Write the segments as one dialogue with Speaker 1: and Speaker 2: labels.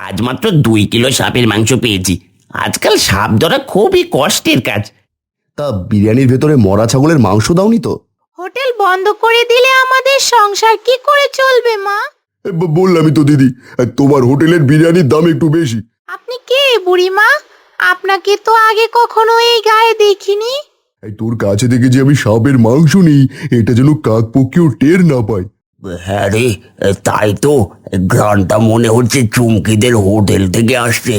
Speaker 1: আজ মাত্র 2 কিলো সাপের মাংস পেয়েছি। আজকাল সাপ ধরা খুবই কষ্টের কাজ।
Speaker 2: তা বিরিয়ানির ভেতরে মরা ছাগলের মাংস দাওনি তো?
Speaker 3: হোটেল বন্ধ করে দিলে আমাদের সংসার কি করে চলবে মা?
Speaker 2: বললামই তো দিদি, তোমার হোটেলের বিরিয়ানির দাম একটু বেশি।
Speaker 3: আপনি কে বুড়িমা? আপনাকে তো আগে কখনো এই গায়ে দেখিনি।
Speaker 2: তোর কাছে থেকে যে আমি সাপের মাংস নিই, এটা যেন কাকপক্ষীও টের না পায়।
Speaker 1: হ্যাঁ রে, তাই তো। ঘ্রাণটা মনে হচ্ছে চুমকিদের হোটেল থেকে আসছে।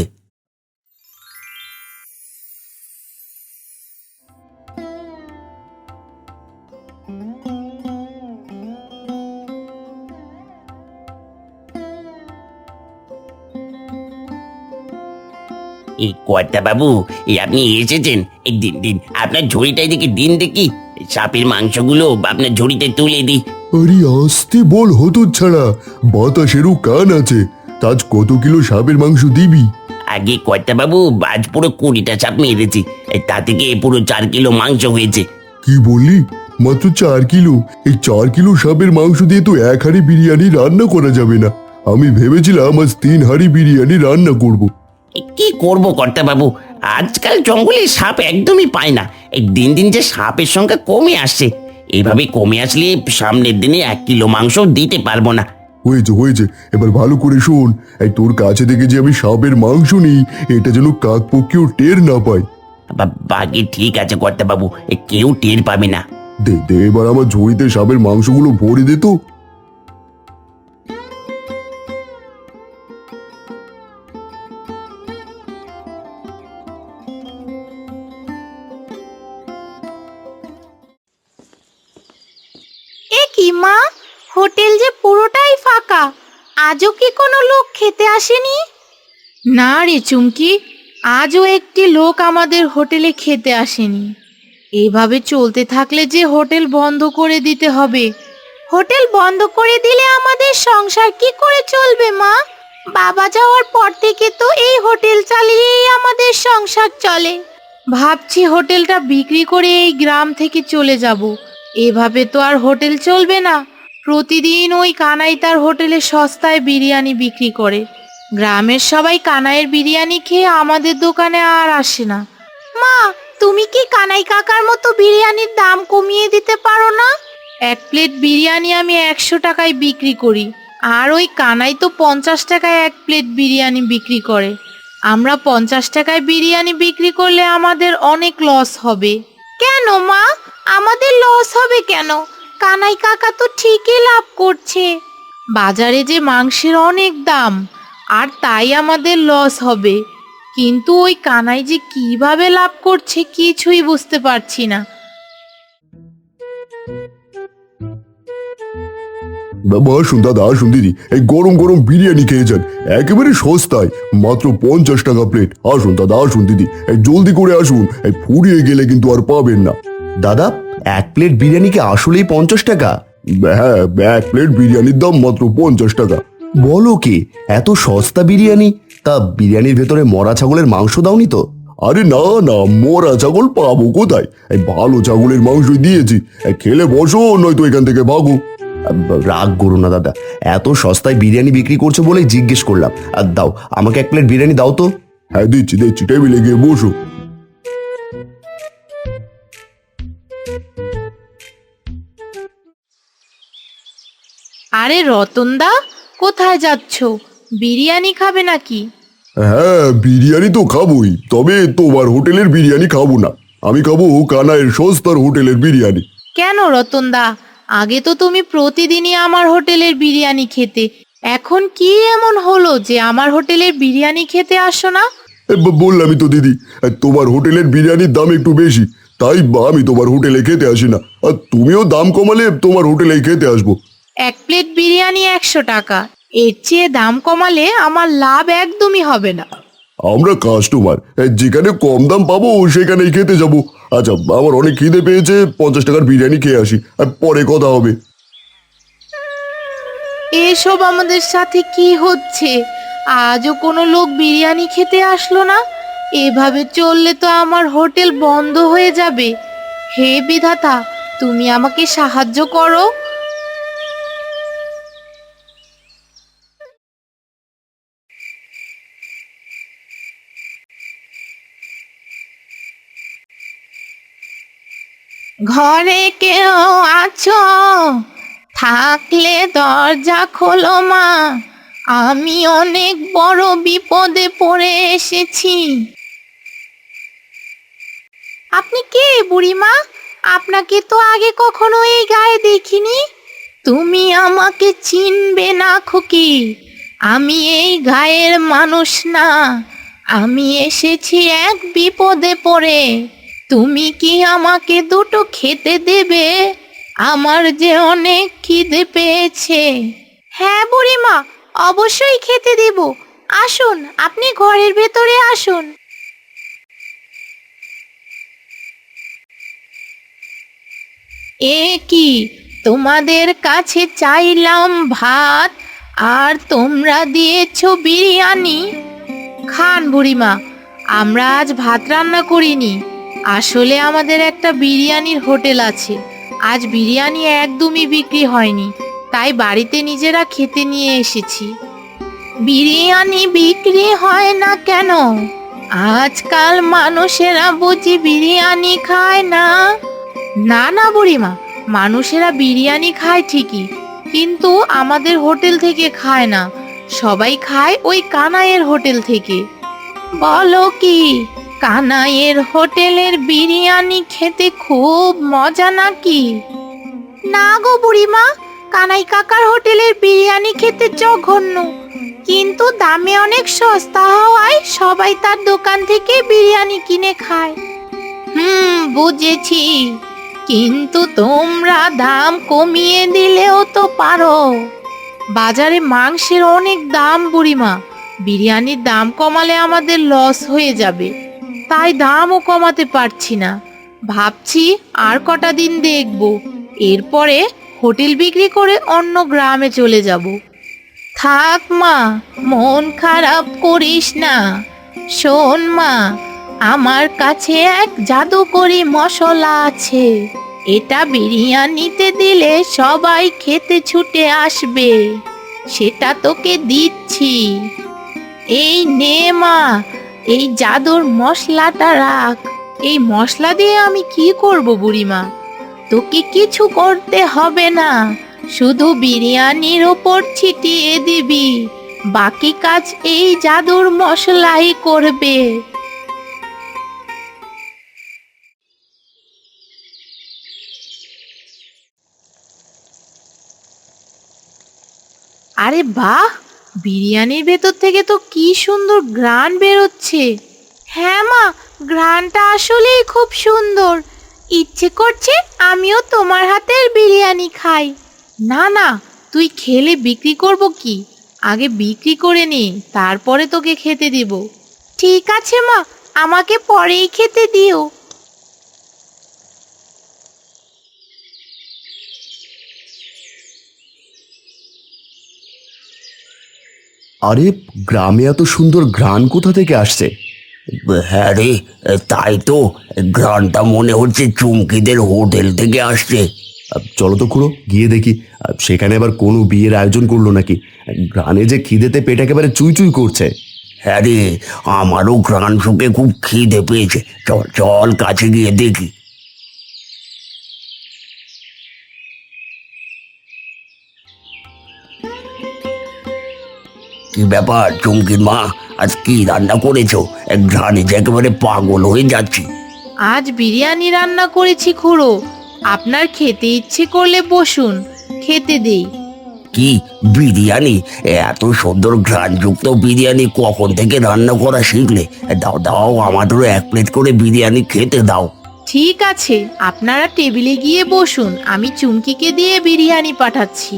Speaker 1: এই কর্তা বাবু, এই আপনি এসেছেন। এই দিন দিন আপনার ঝুড়িটা এদিকে দিন দেখি। সাপের মাংসগুলো আপনার ঝুড়িতে তুলে দিই।
Speaker 2: আরে আস্তে বল হতচ্ছাড়া, বাতাসেরও কান আছে। আজ কত কিলো সাপের মাংস দিবি?
Speaker 1: আগে কর্তা বাবু, আজ পুরো 20টা সাপ মেরেছি। তা থেকে পুরো 4 কিলো মাংস হয়েছে।
Speaker 2: কি বললি? মাত্র 4 কিলো? এই 4 কিলো সাপের মাংস দিয়ে তো 1 হাঁড়ি বিরিয়ানি রান্না করা যাবে না। আমি ভেবেছিলাম আজ 3 হাঁড়ি বিরিয়ানি রান্না করব।
Speaker 1: কি করব কর্তা বাবু, আজকাল জঙ্গলে সাপ একদমই পায় না। এই দিন দিন যে সাপের সংখ্যা কমে আসছে। এইভাবে কমে আসলে সামনের দিনে 1 কিলো মাংস দিতে পারবো না।
Speaker 2: হয়েছে হয়েছে, এবার ভালো করে শোন। এই তোর কাছে থেকে যে আমি সাপের মাংস নিই, এটা যেন কাকপক্ষীও টের না পায়।
Speaker 1: বাকি ঠিক আছে কর্তা বাবু, কেউ টের পাবে না।
Speaker 2: দে দে, এবার আমার ঝুড়িতে সাপের মাংসগুলো ভরে দে তো।
Speaker 3: এ কি মা, হোটেল যে পুরোটাই ফাঁকা। আজও কি কোনো লোক খেতে আসেনি? না রে চুমকি, আজও একটি লোক আমাদের হোটেলে খেতে আসেনি। এভাবে চলতে থাকলে যে হোটেল বন্ধ করে দিতে হবে। হোটেল বন্ধ করে দিলে আমাদের সংসার কি করে চলবে মা? বাবা যাওয়ার পর থেকে তো এই হোটেল চালিয়েই আমাদের সংসার চলে। ভাবছি হোটেলটা বিক্রি করে এই গ্রাম থেকে চলে যাব। এভাবে তো আর হোটেল চলবে না। প্রতিদিন ওই কানাই তার হোটেলে সস্তায় বিরিয়ানি বিক্রি করে। গ্রামের সবাই কানাইয়ের বিরিয়ানি খেয়ে আমাদের দোকানে আর আসে না। মা, তুমি কি কানাই কাকার মতো বিরিয়ানির দাম কমিয়ে দিতে পারো না? 1 প্লেট বিরিয়ানি আমি 100 টাকায় বিক্রি করি, আর ওই কানাই তো 50 টাকায় 1 প্লেট বিরিয়ানি বিক্রি করে। আমরা 50 টাকায় বিরিয়ানি বিক্রি করলে আমাদের অনেক লস হবে। কেন মা, আমাদের লস হবে কেন? কানাই কাকা তো ঠিকই লাভ করছে। বাজারে যে মাংসের অনেক দাম, আর তাই আমাদের লস হবে। কিন্তু ওই কানাই যে কিভাবে লাভ করছে কিছুই বুঝতে পারছি না।
Speaker 2: বাবা আসুন, দাদা আসুন, দিদি এই গরম গরম বিরিয়ানি খেয়ে যান, একেবারে সস্তায়, মাত্র 50 টাকা প্লেট। আসুন দাদা, আসুন দিদি, এই জলদি করে আসুন, এই ফুরিয়ে গেলে কিন্তু আর পাবেন না। দাদা, 1 প্লেট বিরিয়ানি কি আসলেই 50 টাকা? হ্যাঁ, 1 প্লেট বিরিয়ানির দাম মাত্র 50 টাকা। বলো কি, এত সস্তা বিরিয়ানি? তা বিরিয়ানির ভেতরে মরা ছাগলের মাংস দাওনি তো? আরে না না, মরা ছাগল পাবো কোথায়? এই ভালো ছাগলের মাংস দিয়েছি। খেলে বসো, নয়তো এখান থেকে ভাগো। রাগ করো না দাদা, এত সস্তায় বিরিয়ানি বিক্রি করছো বলেই জিজ্ঞেস করলাম। আর দাও, আমাকে 1 প্লেট বিরিয়ানি দাও তো। হ্যাঁ দিচ্ছি দিচ্ছি, টেবিলে গিয়ে বসো।
Speaker 3: আরে রতনদা, কোথায় যাচ্ছ? বিরিয়ানি খাবে নাকি?
Speaker 2: হ্যাঁ, বিরিয়ানি তো খাবোই, তবে তোমার হোটেলের বিরিয়ানি খাবো না। আমি খাবো কানাইয়ের সস্তার হোটেলের বিরিয়ানি।
Speaker 3: কেন রতনদা, আগে তো তুমি প্রতিদিনই আমার হোটেলের বিরিয়ানি খেতে। এখন কি এমন হলো যে আমার হোটেলের বিরিয়ানি খেতে আসো না?
Speaker 2: বললামই তো দিদি, তোমার হোটেলের বিরিয়ানির দাম একটু বেশি, তাই আমি তোমার হোটেলে খেতে আসি না। আর তুমিও দাম কমালে তোমার হোটেলেই খেতে আসবো।
Speaker 3: 1 প্লেট বিরিয়ানি 100 টাকা, এর চেয়ে দাম কমালে আমার লাভ একদমই হবে না।
Speaker 2: আমরা কাস্টমার, যেখানে কম দাম পাবো সেখানেই খেতে যাব। আচ্ছা, আমার অনেক খিদে পেয়েছে, 50 টাকার বিরিয়ানি খেয়ে আসি, আর পরে কথা হবে।
Speaker 3: এসব আমাদের সাথে কি হচ্ছে? আজও কোনো লোক বিরিয়ানি খেতে আসলো না। এভাবে চললে তো আমার হোটেল বন্ধ হয়ে যাবে। হে বিধাতা, তুমি আমাকে সাহায্য করো। ঘরে কেউ আছো? থাকলে দরজা খোলো মা, আমি অনেক বড় বিপদে পড়ে এসেছি। আপনি কে বুড়িমা? আপনাকে তো আগে কখনো এই গায়ে দেখিনি। তুমি আমাকে চিনবে না খুকি, আমি এই গায়ের মানুষ না। আমি এসেছি এক বিপদে পড়ে। তুমি কি আমাকে দুটো খেতে দেবে? আমার যে অনেক খিদে পেয়েছে। হ্যাঁ বুড়িমা, অবশ্যই খেতে দেব। আসুন, আপনি ঘরের ভেতরে আসুন। এ কি, তোমাদের কাছে চাইলাম ভাত, আর তোমরা দিয়েছো বিরিয়ানি। খান বুড়িমা, আমরা আজ ভাত রান্না করিনি। আসলে আমাদের একটা বিরিয়ানির হোটেল আছে। আজ বিরিয়ানি একদমই বিক্রি হয়নি, তাই বাড়িতে নিজেরা খেতে নিয়ে এসেছি। বিরিয়ানি বিক্রি হয় না কেন? আজকাল মানুষেরা বুঝি বিরিয়ানি খায় না? না না বুড়িমা, মানুষেরা বিরিয়ানি খায় ঠিকই, কিন্তু আমাদের হোটেল থেকে খায় না। সবাই খায় ওই কানাইয়ের হোটেল থেকে। বলো কি, কানাইয়ের হোটেলের বিরিয়ানি খেতে খুব মজা নাকি? না গো বুড়িমা, কানাই কাকার হোটেলের বিরিয়ানি খেতে জঘন্য, কিন্তু দামে অনেক সস্তা হওয়ায় সবাই তার দোকান থেকে বিরিয়ানি কিনে খায়। বুঝেছি, কিন্তু তোমরা দাম কমিয়ে দিলেও তো পারো। বাজারে মাংসের অনেক দাম বুড়িমা, বিরিয়ানির দাম কমালে আমাদের লস হয়ে যাবে, তাই দামও কমাতে পারছি না। ভাবছি আর কটা দিন দেখব, এরপরে হোটেল বিক্রি করে অন্য গ্রামে চলে যাব। থাক মা, মন খারাপ করিস না। শোন মা, আমার কাছে এক জাদুকরি মশলা আছে। এটা বিরিয়ানিতে দিলে সবাই খেতে ছুটে আসবে। সেটা তোকে দিচ্ছি। এই নে মা, এই জাদুর মশলাটা রাখ। এই মশলা দিয়ে আমি কি করব বুড়িমা? তোকে কিছু করতে হবে না, শুধু বিরিয়ানির ওপর ছিটিয়ে দিবি। বাকি কাজ এই জাদুর মশলাই করবে। আরে বাহ, বিরিয়ানির ভেতর থেকে তো কি সুন্দর ঘ্রাণ বেরোচ্ছে। হ্যাঁ মা, ঘ্রাণটা আসলেই খুব সুন্দর। ইচ্ছে করছে আমিও তোমার হাতের বিরিয়ানি খাই। না না, তুই খেলে বিক্রি করব কি? আগে বিক্রি করে নে, তারপরে তোকে খেতে দিব। ঠিক আছে মা, আমাকে পরেই খেতে দিও।
Speaker 2: আরে, গ্রামে এত সুন্দর ঘ্রাণ কোথা থেকে আসছে?
Speaker 1: হ্যাঁ রে, তাই তো, ঘ্রাণটা মনে হচ্ছে চুমকিদের হোটেল থেকে আসছে।
Speaker 2: চলো তো খুড়ো, গিয়ে দেখি সেখানে আবার কোনো বিয়ের আয়োজন করলো নাকি। ঘ্রাণে যে খিদেতে পেট একেবারে চুই চুই করছে।
Speaker 1: হ্যাঁ রে, আমারও ঘ্রাণ শুকে খুব খিদে পেয়েছে। চল চল, কাছে গিয়ে দেখি। কি ব্যাপার চুমকির মা, আজ কি রান্না করেছো? ঘ্রাণে যে একেবারে পাগল হয়ে যাচ্ছি।
Speaker 3: আজ বিরিয়ানি রান্না করেছি খুড়ো, আপনার খেতে ইচ্ছে করলে বসুন, খেতে দেই।
Speaker 1: কি বিরিয়ানি? এত সুন্দর ঘ্রাণযুক্ত বিরিয়ানি কখন থেকে রান্না করা শিখলে? দাও দাও, আমাদেরও এক প্লেট করে বিরিয়ানি খেতে দাও।
Speaker 3: ঠিক আছে, আপনারা টেবিলে গিয়ে বসুন, আমি চুমকিকে দিয়ে বিরিয়ানি পাঠাচ্ছি।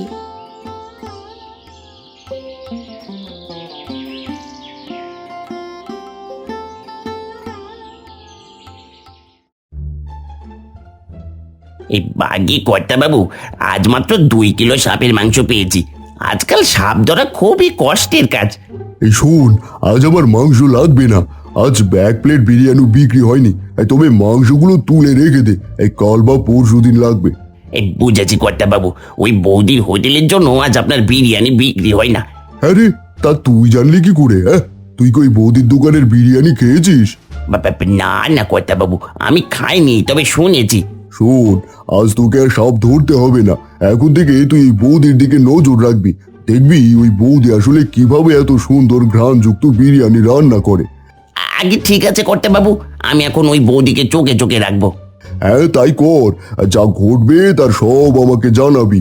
Speaker 1: এই বাগি কর্তা বাবু, আজ মাত্র 2 কিলো সাপের মাংস পেয়েছি। আজকাল সাপ ধরা খুবই কষ্টের কাজ।
Speaker 2: এই শোন, আজ আমার মাংস লাগবে না। আজ এক প্লেট বিরিয়ানি বিক্রি হয়নি, তবে মাংসগুলো তুলে রেখে দে, এই কাল বা পরশু দিন লাগবে।
Speaker 1: এই বুঝেছি কর্তা বাবু, ওই বৌদির হোটেলের জন্য আজ আপনার বিরিয়ানি বিক্রি হয় না।
Speaker 2: হ্যাঁ রে, তা তুই জানলি কি করে? হ্যাঁ, তুই কি ওই বৌদির দোকানের বিরিয়ানি খেয়েছিস?
Speaker 1: না না কর্তা বাবু, আমি খাইনি, তবে শুনেছি।
Speaker 2: শোন, আজ তোকে আর সাপ ধরতে হবে না। এখন থেকে তুই এই বৌদির দিকে নজর রাখবি। দেখবি ওই বৌদি আসলে কিভাবে এত সুন্দর ঘ্রাণযুক্ত বিরিয়ানি রান্না করে।
Speaker 1: আগে ঠিক আছে কর্তা বাবু, আমি এখন ওই বৌদিকে চোখে চোখে রাখবো।
Speaker 2: হ্যাঁ তাই কর, আর যা ঘটবে তার সব আমাকে জানাবি।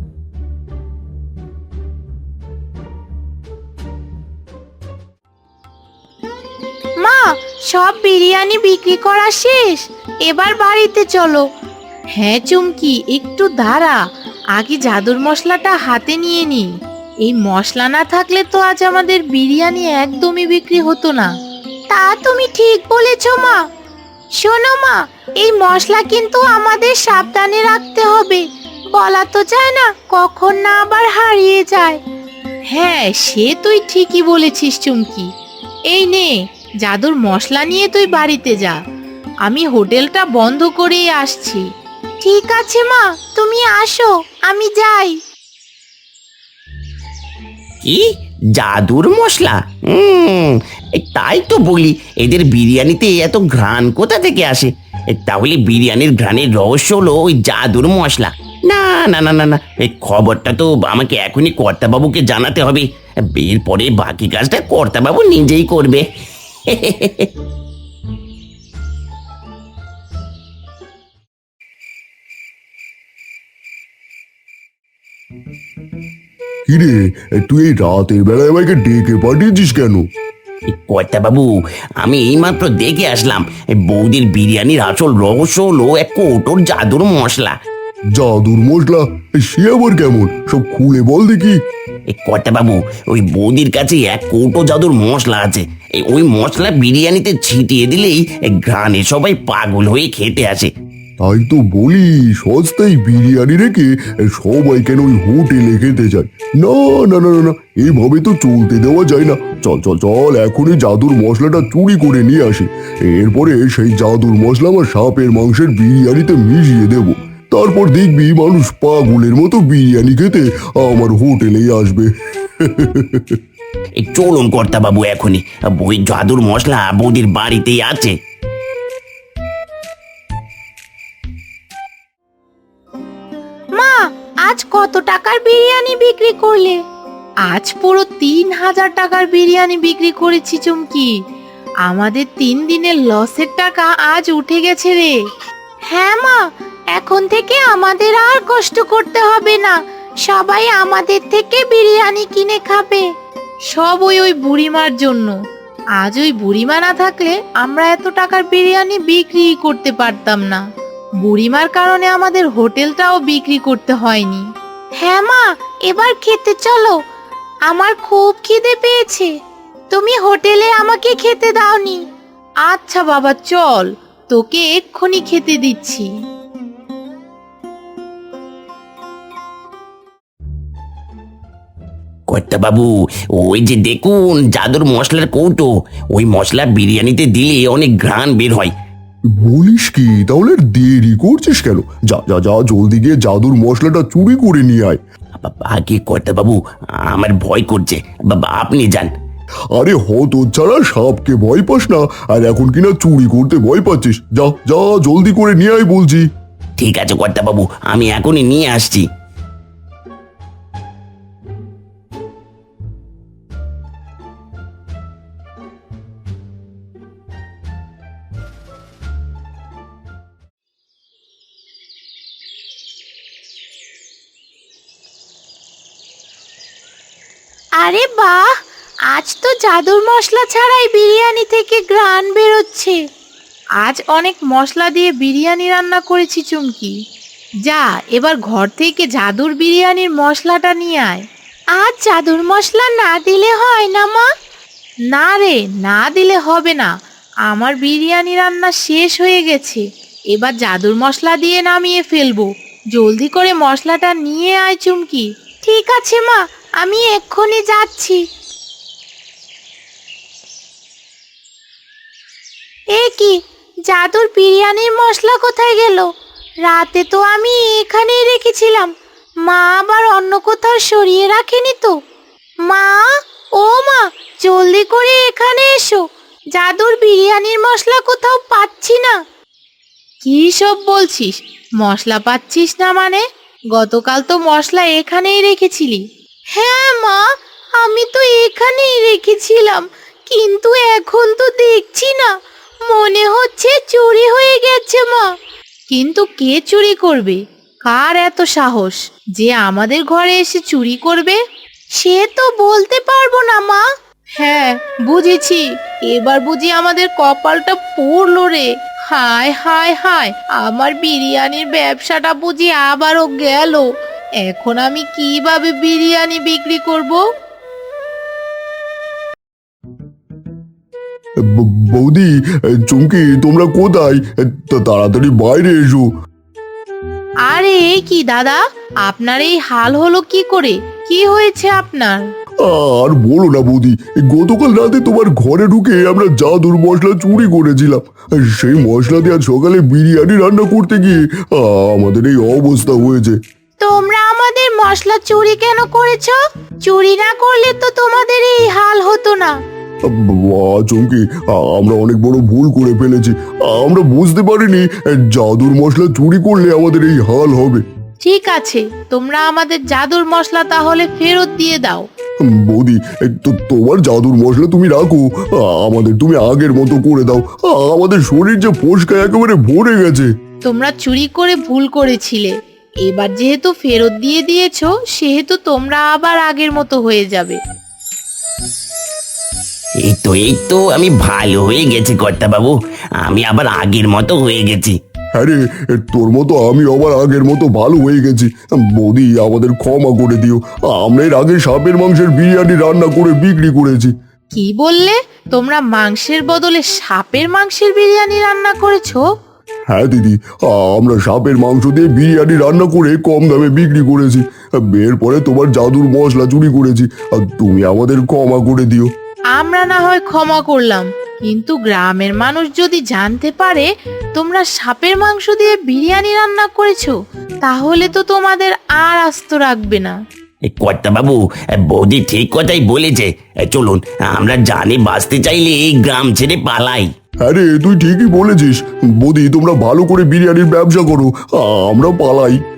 Speaker 3: মা, সব বিরিয়ানি বিক্রি করা শেষ, এবার বাড়িতে চলো। হ্যাঁ চুমকি, একটু দাঁড়া, আগে জাদুর মশলাটা হাতে নিয়ে নি। এই মশলা না থাকলে তো আজ আমাদের বিরিয়ানি একদমই বিক্রি হতো না। তা তুমি ঠিক বলেছো মা। শোনো মা, এই মশলা কিন্তু আমাদের সাবধানে রাখতে হবে, বলা তো যায় না কখন না আবার হারিয়ে যায়। হ্যাঁ, সে তুই ঠিকই বলেছিস চুমকি। এই নে, জাদুর মশলা নিয়ে তুই বাড়িতে যা, আমি হোটেলটা বন্ধ করেই আসছি। ঠিক আছে মা, তুমি আসো, আমি যাই।
Speaker 1: কি জাদুর মশলা? তাই তো বলি, এদের বিরিয়ানিতে এত ঘ্রাণ কোথা থেকে আসে? তাহলে বিরিয়ানির ঘ্রাণের রহস্য হলো ওই জাদুর মশলা। না না না না না, এই খবরটা তো আমাকে এখনই কর্তাবাবুকে জানাতে হবে। এরপরে বাকি কাজটা কর্তাবাবু নিজেই করবে।
Speaker 2: কিরে, তুই এই রাতের বেলায় আমাকে ডেকে পাঠিয়েছিস কেন?
Speaker 1: কর্তাবাবু, আমি এইমাত্র দেখে আসলাম, এই বৌদির বিরিয়ানির আসল রহস্য হলো এক কৌটোর জাদুর মশলা।
Speaker 2: জাদুর মশলা? সে আবার কেমন? সব খুলে বল দেখি।
Speaker 1: এই কর্তাবাবু, ওই বৌদির কাছে এক কৌটো জাদুর মশলা আছে। ওই মশলা বিরিয়ানিতে ছিটিয়ে দিলেই ঘ্রাণে সবাই পাগল হয়ে খেতে আসে।
Speaker 2: তাই তো বলি, সস্তায় বিরিয়ানি রেখে সবাই কেন ওই হোটেলে খেতে যায়? না না না না না, এইভাবে তো চলতে দেওয়া যায় না। চল চল চল, এখনই জাদুর মশলাটা চুরি করে নিয়ে আসি। এরপরে সেই জাদুর মশলা আমার সাপের মাংসের বিরিয়ানিতে মিশিয়ে দেব। তারপর দেখবি মানুষ পাগলের মতো বিরিয়ানি খেতে আমার হোটেলেই আসবে।
Speaker 1: এই চলুন কর্তাবাবু, এখনই ওই জাদুর মশলা বৌদির বাড়িতেই আছে।
Speaker 3: মা, আজ কত টাকার বিরিয়ানি বিক্রি করলে? আজ পুরো 3000 টাকার বিরিয়ানি বিক্রি করেছি চুমকি। আমাদের 3 দিনের লসের টাকা আজ উঠে গেছে রে। হ্যাঁ মা, এখন থেকে আমাদের আর কষ্ট করতে হবে না, সবাই আমাদের থেকে বিরিয়ানি কিনে খাবে। সব ওই বুড়িমার জন্য। আজ ওই বুড়িমা না থাকলে আমরা এত টাকার বিরিয়ানি বিক্রি করতে পারতাম না। বুড়িমার কারণে আমাদের হোটেলটাও বিক্রি করতে হয়নি। হ্যাঁ মা, এবার খেতে চলো, আমার খুব খিদে পেয়েছে। তুমি হোটেলে আমাকে খেতে দাওনি। আচ্ছা বাবা, চল, তোকে এক্ষুনি খেতে দিচ্ছি।
Speaker 1: কর্তাবাবু, ওই যে দেখুন জাদুর মশলার কৌটো, ওই মশলা বিরিয়ানিতে দিলে অনেক ঘ্রাণ বের হয়।
Speaker 2: বলিস কি? তাহলে আর দেরি করছিস কেন? যা যা যা, জলদি গিয়ে জাদুর মশলাটা চুরি করে নিয়ে আয়।
Speaker 1: আগে কর্তাবাবু, আমার ভয় করছে, বাবা আপনি যান।
Speaker 2: আরে হতচ্ছাড়া, সাপকে ভয় পাস না, আর এখন কিনা চুরি করতে ভয় পাচ্ছিস? যা যা, জলদি করে নিয়ে আয় বলছি।
Speaker 1: ঠিক আছে কর্তাবাবু, আমি এখনই নিয়ে আসছি।
Speaker 3: আরে বাহ, আজ তো জাদুর মশলা ছাড়াই বিরিয়ানি থেকে ঘ্রাণ বেরোচ্ছে। আজ অনেক মশলা দিয়ে বিরিয়ানি রান্না করেছি চুমকি। যা, এবার ঘর থেকে জাদুর বিরিয়ানির মশলাটা নিয়ে আয়। আজ জাদুর মশলা না দিলে হয় না মা? না রে, না দিলে হবে না, আমার বিরিয়ানি রান্না শেষ হয়ে গেছে, এবার জাদুর মশলা দিয়ে নামিয়ে ফেলবো। জলদি করে মশলাটা নিয়ে আয় চুমকি। ঠিক আছে মা, আমি এক্ষুনি যাচ্ছি। এ কি, জাদুর বিরিয়ানির মশলা কোথায় গেল? রাতে তো আমি এখানেই রেখেছিলাম, মা আবার অন্য কোথাও সরিয়ে রাখেনি তো? মা, ও মা, জলদি করে এখানে এসো, জাদুর বিরিয়ানির মশলা কোথাও পাচ্ছি না। কি সব বলছিস? মশলা পাচ্ছিস না মানে? গতকাল তো মশলা এখানেই রেখেছিলি। হ্যাঁ মা, আমি তো এখানেই রেখেছিলাম, কিন্তু এখন তো দেখছি না। মনে হচ্ছে চুরি হয়ে গেছে মা। কিন্তু কে চুরি করবে? কার এত সাহস যে আমাদের ঘরে এসে চুরি করবে? সে তো বলতে পারবো না মা। হ্যাঁ, বুঝেছি। এবার বুঝি আমাদের কপালটা পড়লো রে। হায় হায় হায়, আমার বিরিয়ানির ব্যবসাটা বুঝি আবারও গেল। এখন আমি কিভাবে বিরিয়ানি বিক্রি করব?
Speaker 2: বৌদি, চুমকি, তোমরা কোথায়? তাড়াতাড়ি বাইরে এসো।
Speaker 3: আরে এ কি দাদা, আপনার এই হাল হলো কি করে? কি হয়েছে আপনার?
Speaker 2: আর বলো না বৌদি, গতকাল রাতে তোমার ঘরে ঢুকে আমরা জাদুর মশলা চুরি করেছিলাম। সেই মশলা দিয়ে আজ সকালে বিরিয়ানি রান্না করতে গিয়ে আমাদের এই অবস্থা হয়েছে।
Speaker 3: তোমরা আমাদের মশলা চুরি কেন করেছো? চুরি না করলে তো তোমাদের এই হাল হতো না।
Speaker 2: চুমকি, আমরা অনেক বড় ভুল করে ফেলেছি। আমরা বুঝতে পারিনি জাদুর মশলা চুরি করলে আমাদের এই হাল হবে।
Speaker 3: ঠিক আছে, তোমরা আমাদের জাদুর মশলা তাহলে ফেরত দিয়ে দাও।
Speaker 2: বৌদি, তোমার জাদুর মশলা তুমি রাখো, আমাদের তুমি আগের মতো করে দাও। আমাদের শরীর যে ফোসকায় একেবারে ভরে গেছে।
Speaker 3: তোমরা চুরি করে ভুল করেছিলে, এবার যেহেতু ফেরত দিয়ে দিয়েছো, সেহেতু তোমরা আবার আগের মতো হয়ে যাবে।
Speaker 1: এই তো আমি ভালো হয়ে গেছি কর্তা বাবু। আমি আবার আগের মতো হয়ে গেছি।
Speaker 2: হ্যাঁ রে, তোর মতো আমি আবার আগের মতো ভালো হয়ে গেছি। বৌদি, আমাদের ক্ষমা করে দিও। আমরা এর আগে সাপের মাংসের বিরিয়ানি রান্না করে বিক্রি করেছি।
Speaker 3: কি বললে? তোমরা মাংসের বদলে সাপের মাংসের বিরিয়ানি রান্না করেছো?
Speaker 2: হ্যাঁ দিদি, আমরা সাপের মাংস দিয়ে বিরিয়ানি রান্না করে কম দামে বিক্রি করেছি। এরপরে তোমার জাদুর মশলা চুরি করেছি, আর তুমি আমাদের ক্ষমা করে দিও।
Speaker 3: আমরা না হয় ক্ষমা করলাম, কিন্তু গ্রামের মানুষ যদি জানতে পারে তোমরা সাপের মাংস দিয়ে বিরিয়ানি রান্না করেছো, তাহলে তো তোমাদের আর আস্ত রাখবে না।
Speaker 1: কর্তা বাবু, বৌদি ঠিক কথাই বলেছে। চলুন, আমরা জানে বাঁচতে চাইলে এই গ্রাম ছেড়ে পালাই।
Speaker 2: হ্যাঁ রে, তুই ঠিকই বলেছিস। বৌদি, তোমরা ভালো করে বিরিয়ানির ব্যবসা করো, আমরা পালাই।